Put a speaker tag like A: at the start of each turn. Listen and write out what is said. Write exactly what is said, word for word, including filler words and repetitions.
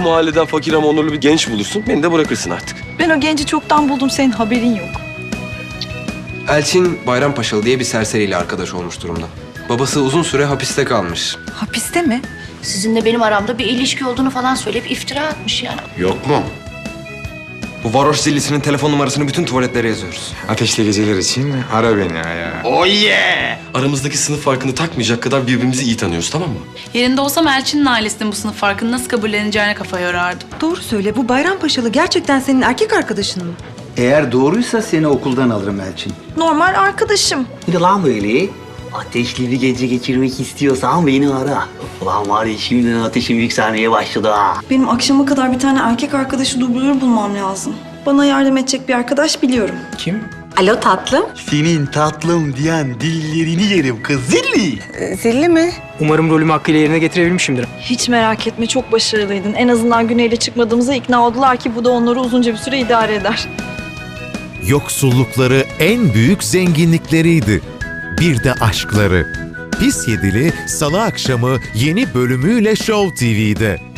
A: mahalleden fakir ama onurlu bir genç bulursun. Beni de bırakırsın artık.
B: Ben o genci çoktan buldum, senin haberin yok.
C: Elçin Bayrampaşalı diye bir serseriyle arkadaş olmuş durumda. Babası uzun süre hapiste kalmış.
B: Hapiste mi?
D: Sizinle benim aramda bir ilişki olduğunu falan söyleyip iftira atmış yani.
A: Yok mu?
C: Bu varoş zillisinin telefon numarasını bütün tuvaletlere yazıyoruz.
E: Ateşli geceler için ara beni ya.
A: Oh yeah! Aramızdaki sınıf farkını takmayacak kadar birbirimizi iyi tanıyoruz, tamam mı?
F: Yerinde olsam Elçin'in ailesinin bu sınıf farkını nasıl kabulleneceğine kafa yorardım.
B: Doğru söyle, bu Bayrampaşalı gerçekten senin erkek arkadaşın mı?
G: Eğer doğruysa seni okuldan alırım Elçin.
B: Normal arkadaşım.
H: Bir de lan böyle ateşli bir gece geçirmek istiyorsan beni ara. Ulan var ya şimdiden ateşim yükselmeye başladı ha.
B: Benim akşama kadar bir tane erkek arkadaşı dublör bulmam lazım. Bana yardım edecek bir arkadaş biliyorum.
E: Kim?
B: Alo tatlım.
H: Senin tatlım diyen dillerini yerim kız zilli.
B: Zilli mi?
E: Umarım rolümü hakkıyla yerine getirebilmişimdir.
B: Hiç merak etme, çok başarılıydın. En azından Güney'le çıkmadığımıza ikna oldular ki bu da onları uzunca bir süre idare eder.
I: Yoksullukları en büyük zenginlikleriydi. Bir de aşkları. Pis Yedili Salı akşamı yeni bölümüyle Show T V'de.